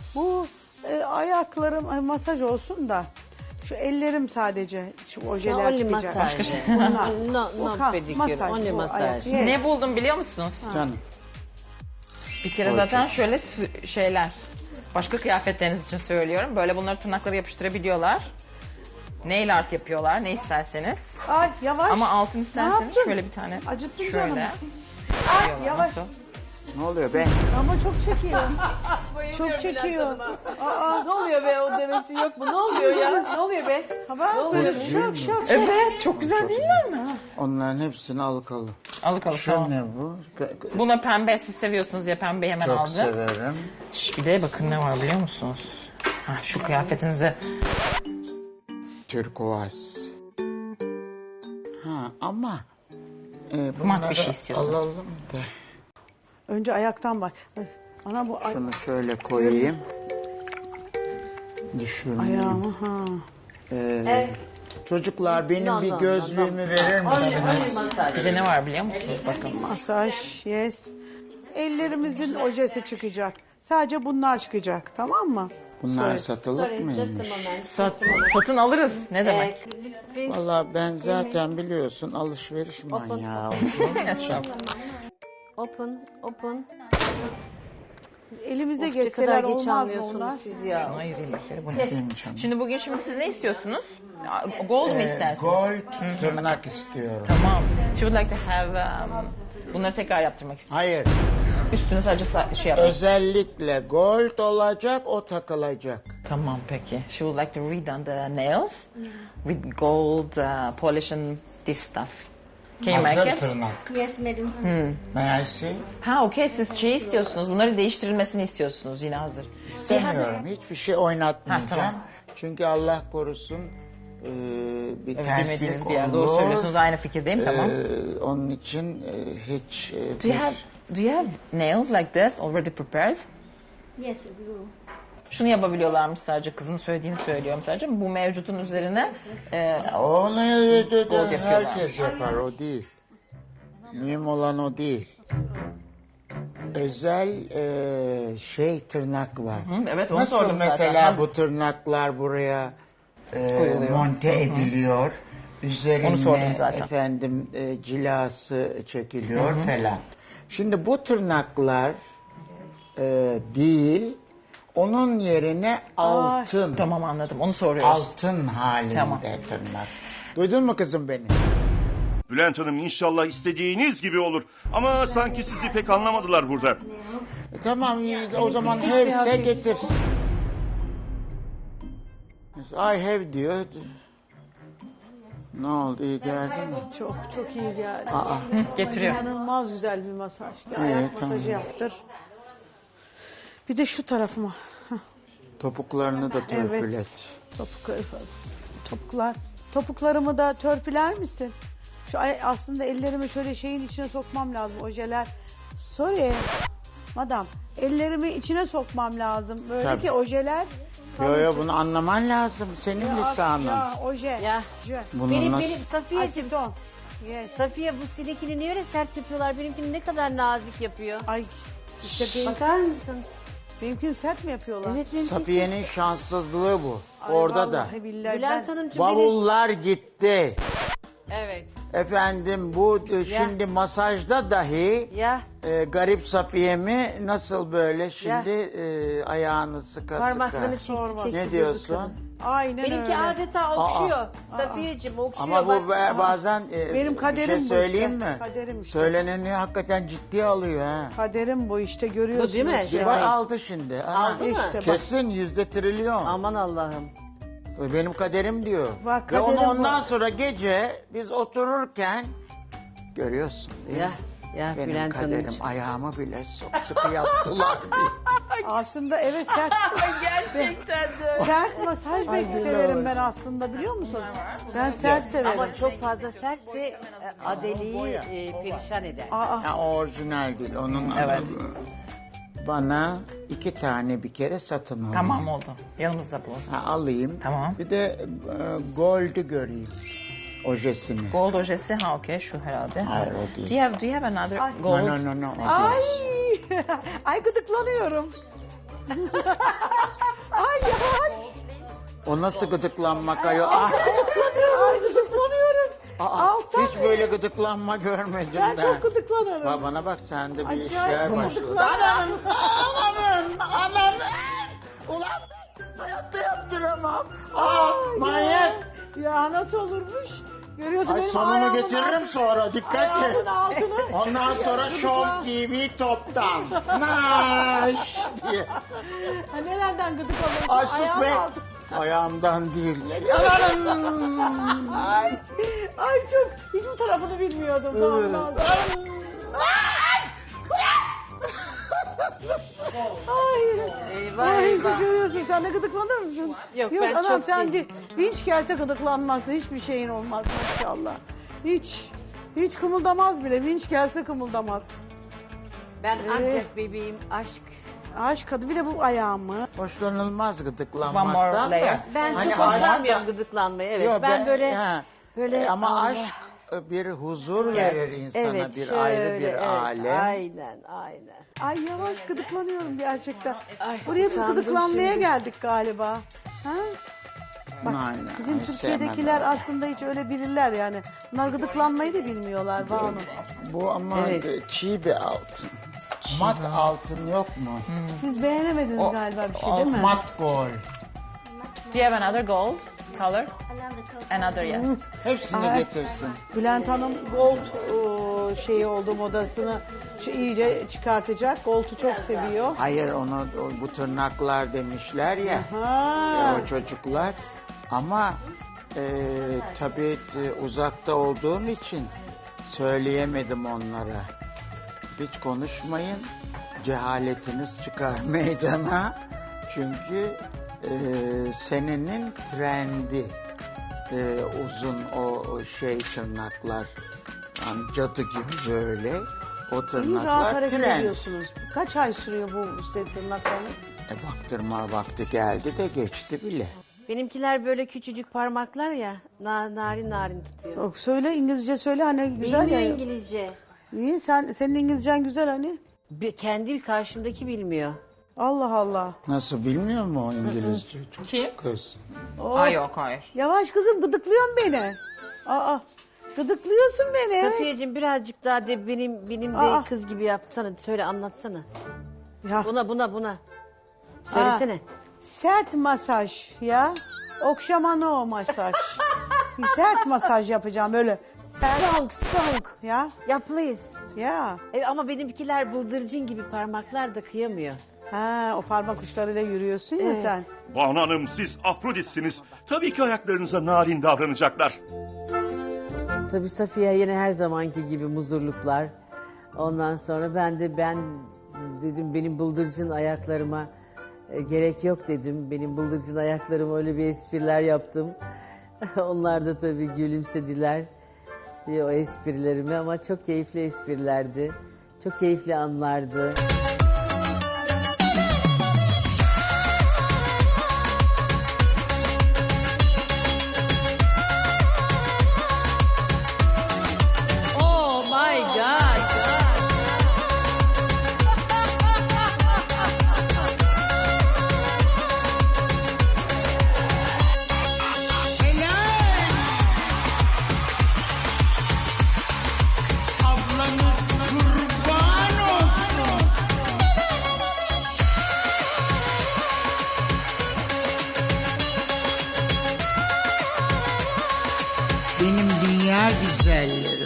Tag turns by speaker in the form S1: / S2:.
S1: Bu ayaklarım masaj olsun da şu ellerim sadece şu ojeler
S2: Only
S1: çıkacak.
S2: massage.
S1: Bunlar.
S2: No
S1: Okan,
S2: pedicure,
S1: masaj,
S2: only
S1: bu
S2: massage.
S1: ayak. Yes.
S3: Ne buldum biliyor musunuz?
S4: Canım.
S3: Bir kere zaten şöyle şeyler. Başka kıyafetleriniz için söylüyorum. Böyle bunları tırnaklara yapıştırabiliyorlar. Nail art yapıyorlar ne isterseniz.
S1: Ay yavaş.
S3: Ama altın
S1: Ne
S3: isterseniz
S1: yaptın?
S3: şöyle bir tane.
S1: Acıttın
S3: şöyle.
S1: canımı.
S3: yapıyorlar.
S1: Yavaş.
S3: Nasıl?
S4: Ne oluyor be?
S1: Ama çok çekiyor. Çok çekiyor.
S2: Ne oluyor be, o demesi yok mu? Ne oluyor ya? Ne oluyor be?
S1: Bak böyle şak şak.
S3: Evet çok güzel değiller mi?
S4: Onların hepsini alıkalım.
S3: Alık alık
S4: Şu
S3: tamam.
S4: ne bu?
S3: Buna pembe siz seviyorsunuz diye pembeyi hemen
S4: Çok
S3: aldım.
S4: severim.
S3: Bir de bakın ne var biliyor musunuz? Ha, şu kıyafetinize.
S4: Turkuaz. Ha ama
S3: Mat bir şey
S4: bunları
S3: istiyorsunuz.
S4: alalım da.
S1: Önce ayaktan bak. Ay, ana bu
S4: Şunu şöyle koyayım. Düşürmeyeyim.
S1: ayağımı ha.
S4: Çocuklar benim bir gözlüğümü verir
S2: Only
S4: misiniz?
S2: massage.
S3: Bir de ne var biliyor musunuz? Bakın.
S1: Masaj, yes. Ellerimizin ojesi çıkacak. Sadece bunlar çıkacak, tamam mı?
S4: Bunlar satılık
S2: Sorry, just a
S4: mıymış?
S2: moment.
S3: Satın alırız. Ne demek?
S2: Please.
S4: Valla ben zaten biliyorsun alışveriş manyağı.
S2: Open, open.
S1: Elimize
S2: Of, ne
S1: geçseler
S2: kadar geç
S1: olmaz mı
S2: anlıyorsunuz
S1: onlar?
S2: siz ya.
S3: Hayır değil mi? Bu ne?
S4: Benim canım.
S3: Şimdi bugün siz ne istiyorsunuz? Gold mu istersiniz?
S4: Gold tırnak istiyorum.
S3: Tamam. She would like to have bunları tekrar yaptırmak istiyorum.
S4: Hayır.
S3: Üstüne sadece şey yapmak.
S4: Özellikle gold olacak, o takılacak.
S3: Tamam peki. She would like to redone the nails with gold polish and this stuff. Can you make
S4: Hazır
S3: it?
S4: tırnak.
S5: Yes, madam.
S4: May I see?
S3: Ha okey siz şey istiyorsunuz. Bunları değiştirilmesini istiyorsunuz yine hazır.
S4: İstemiyorum. Hiçbir şey oynatmayacağım.
S3: Ha, tamam.
S4: Çünkü Allah korusun bir
S3: Evet,
S4: terslik
S3: bilmediğiniz bir yer.
S4: olur.
S3: Doğru söylüyorsunuz. Aynı fikirdeyim. Tamam.
S4: Onun için hiç...
S3: Do you have nails like this already prepared?
S5: Yes, blue.
S3: Şunu yapabiliyorlarmış sadece. Kızın söylediğini söylüyorum sadece. Bu mevcutun üzerine
S4: Onu
S3: Gold yapıyorlar.
S4: herkes yapar, o değil. Mühim olan o değil. Özel tırnak var.
S3: evet, onu
S4: Nasıl
S3: sordum zaten.
S4: mesela
S3: Hazır.
S4: bu tırnaklar buraya
S3: Koyuluyor.
S4: monte ediliyor. Üzerine
S3: Onu sordum zaten.
S4: efendim cilası çekiliyor falan. Şimdi bu tırnaklar değil, onun yerine altın.
S3: Tamam anladım. Onu soruyoruz.
S4: Altın halinde
S3: Tamam.
S4: tırnak. Duydun mu kızım beni?
S6: Bülent Hanım inşallah istediğiniz gibi olur. Ama sanki sizi pek anlamadılar burada.
S4: Tamam o zaman have'se getir. I have diyor. Ne oldu, iyi geldi mi?
S1: Çok çok iyi geldi.
S3: Getiriyor.
S1: İnanılmaz güzel bir masaj. Bir ayak masajı yaptır. Bir de şu tarafıma.
S4: Topuklarını da törpület.
S1: Topuklar. Topuklarımı da törpüler misin? Aslında ellerimi şöyle şeyin içine sokmam lazım. Ojeler. Sorry. Madam. Ellerimi içine sokmam lazım. Böyle
S4: Tabii.
S1: ki ojeler.
S4: Yo bunu anlaman lazım. Senin lisanın.
S1: Ya oje.
S2: Ya.
S1: Je.
S4: Bunu
S2: Benim
S4: nasıl...
S2: Safiyeciğim.
S1: Aseton. Yes.
S2: Safiye bu seninkini niye öyle sert yapıyorlar? Benimkini ne kadar nazik yapıyor.
S1: Ay işte
S2: Bakar mısın?
S1: benimkini sert mi yapıyorlar?
S2: Evet benimki.
S4: Safiye'nin şanssızlığı bu.
S1: Ay,
S4: Orada da.
S1: vallahi billahi
S2: Bülent
S1: ben-
S2: Hanımcığım benim.
S4: Bavullar gitti.
S2: Evet.
S4: Efendim bu şimdi masajda dahi
S2: Ya
S4: garip Safiye'mi nasıl böyle şimdi ayağını sıka
S2: parmaklarını
S4: sıka.
S2: çekti çekti.
S4: Ne diyorsun?
S1: Aynen
S2: Benimki
S1: öyle.
S2: adeta okşuyor. Safiyeciğim okşuyor.
S4: Ama bu
S2: bak.
S4: bazen
S1: Benim
S4: bir
S1: kaderim
S4: şey
S1: bu
S4: söyleyeyim
S1: işte.
S4: mi?
S1: Kaderim işte.
S4: Söyleneni hakikaten ciddiye alıyor ha.
S1: Kaderim bu işte görüyorsunuz.
S2: Bu değil mi?
S4: Bir bak aldı şimdi. Ana.
S2: Aldı mı?
S1: İşte bak.
S4: Kesin %1 trilyon.
S2: Aman Allah'ım.
S4: Benim kaderim diyor.
S1: Bak,
S4: Ve onu
S1: kaderim bu.
S4: ondan sonra gece biz otururken görüyorsun değil mi?
S2: Ya
S4: Benim
S2: Bülent
S4: kaderim
S2: Hanımcığım.
S4: ayağımı bile sıkı yaptılar diye.
S1: Aslında evet sert.
S2: Gerçekten de.
S1: Sert masaj severim ben aslında biliyor musun? Ben sert severim.
S2: Ama çok fazla sert de Adeli'yi perişan eder.
S4: Ya, orijinal değil. Onun bana 2 tane bir kere satın alın.
S3: Tamam oldu. Yanımızda bu.
S4: Ha, alayım.
S3: Tamam.
S4: Bir de gold'ü göreyim. Ojesini.
S3: Gold ojesi ha okey şu herhalde.
S4: Hayır, o değil.
S3: Do you have another gold?
S4: No.
S1: Ay, ay gıdıklanıyorum.
S4: O nasıl gıdıklanmak ayol? Ah,
S1: Ay gıdıklanıyorum. Alttan.
S4: hiç böyle gıdıklanma görmedim
S1: Ben çok gıdıklanırım.
S4: Bana bak sende bir
S1: Acayip
S4: işler başladı.
S1: gıdıklanma.
S4: Ananın. Ulan ben hayatta yaptıramam. Manyak.
S1: Ya nasıl olurmuş? Görüyorsun
S4: Ay
S1: benim
S4: sonunu
S1: ayağımın
S4: getiririm sonra dikkat et.
S1: Ayağımın altını.
S4: Ondan sonra Show TV toptan. Naş diye.
S1: Ha, nereden gıdık alıyorsun?
S4: Ay sus
S1: Ayağımın
S4: be.
S1: altı.
S4: Ayağımdan değil.
S1: Ay çok. Hiç bu tarafını bilmiyordum. Tamam. Ay görüyorsun sen de gıdıklanır mısın?
S2: Yok, ben
S1: anam,
S2: çok
S1: sen
S2: değilim.
S1: Hiç gelse gıdıklanmazsın. Hiçbir şeyin olmaz maşallah. Hiç kımıldamaz bile. Vinç gelse kımıldamaz.
S2: Ben ancak bebeğim aşk.
S1: Aşk adı bir de bu ayağımı.
S4: Hoşlanılmaz
S3: One more
S4: gıdıklanmaktan
S3: layer.
S4: da.
S2: Ben
S4: Hani
S2: çok hoşlanmıyorum
S4: aşk-
S2: gıdıklanmaya. Evet.
S4: Yo,
S2: ben böyle
S4: he.
S2: böyle
S4: Ama
S2: Allah.
S4: aşk bir huzur verir insana,
S2: Evet,
S4: bir
S2: şöyle,
S4: ayrı bir
S2: evet.
S4: alem.
S2: Aynen.
S1: Ay yavaş gıdıklanıyorum gerçekten.
S2: Ay,
S1: Buraya biz
S2: utandım
S1: gıdıklanmaya
S2: şimdi.
S1: geldik galiba. Ha? Bak
S4: Aynen,
S1: bizim
S4: ay,
S1: Türkiye'dekiler
S4: sevmem.
S1: aslında hiç öyle bilirler yani. Bunlar gıdıklanmayı da bilmiyorlar Banu.
S4: Bu ama çiğ bir altın. Mat altın yok mu?
S1: Siz beğenemediniz galiba bir şey değil mi?
S4: Mat gold.
S3: Do you have another gold color?
S5: Another color.
S3: Another yes.
S4: Hepsini
S1: Ay.
S4: getirsin.
S1: Bülent Hanım gold şeyi oldu modasını iyice çıkartacak. Gold'u çok seviyor.
S4: Hayır onu bu tırnaklar demişler ya.
S1: Ha.
S4: O çocuklar. Ama tabii uzakta olduğum için söyleyemedim onlara. Hiç konuşmayın. Cehaletiniz çıkar meydana. Çünkü senenin trendi uzun o şey tırnaklar. Yani cadı gibi böyle. O
S1: İyi rahat
S4: tırnaklar
S1: hareket
S4: trend.
S1: ediyorsunuz. Kaç ay sürüyor bu set tırnaklarınız?
S4: Baktırma vakti geldi de geçti bile.
S2: Benimkiler böyle küçücük parmaklar ya. Narin narin tutuyor.
S1: Yok, söyle İngilizce söyle hani güzel
S2: Bilmiyor
S1: ya.
S2: İngilizce.
S1: Niye senin İngilizcen güzel hani?
S2: Kendi karşımdaki bilmiyor.
S1: Allah Allah.
S4: Nasıl bilmiyor mu o İngilizce?
S3: Kim?
S4: Kız.
S3: Ay yok hayır.
S1: Yavaş kızım gıdıklıyorsun beni. Aa gıdıklıyorsun beni.
S2: Safiyeciğim birazcık daha de benim
S1: Aa.
S2: de kız gibi yapsana. Söyle anlatsana.
S1: Ya,
S2: Buna. Söylesene.
S1: sert masaj ya. Okşamano masaj. Sert masaj yapacağım böyle. Sert
S2: Strong.
S1: ya.
S2: Ya please.
S1: Ya.
S2: Ama benimkiler bıldırcın gibi parmaklar da kıyamıyor.
S1: Ha o parmak uçlarıyla yürüyorsun ya
S2: Evet.
S1: sen.
S6: Banu Hanım siz Afroditsiniz. Tabii ki ayaklarınıza narin davranacaklar.
S7: Tabii Safiye yine her zamanki gibi muzurluklar. Ondan sonra ben dedim benim bıldırcın ayaklarıma gerek yok dedim. Benim bıldırcın ayaklarıma öyle bir espriler yaptım. Onlar da tabii gülümsediler o esprilerime ama çok keyifli esprilerdi. Çok keyifli anlardı.
S2: Oh my God.
S4: Ablanız kurban olsun. Benim dünya güzelleri.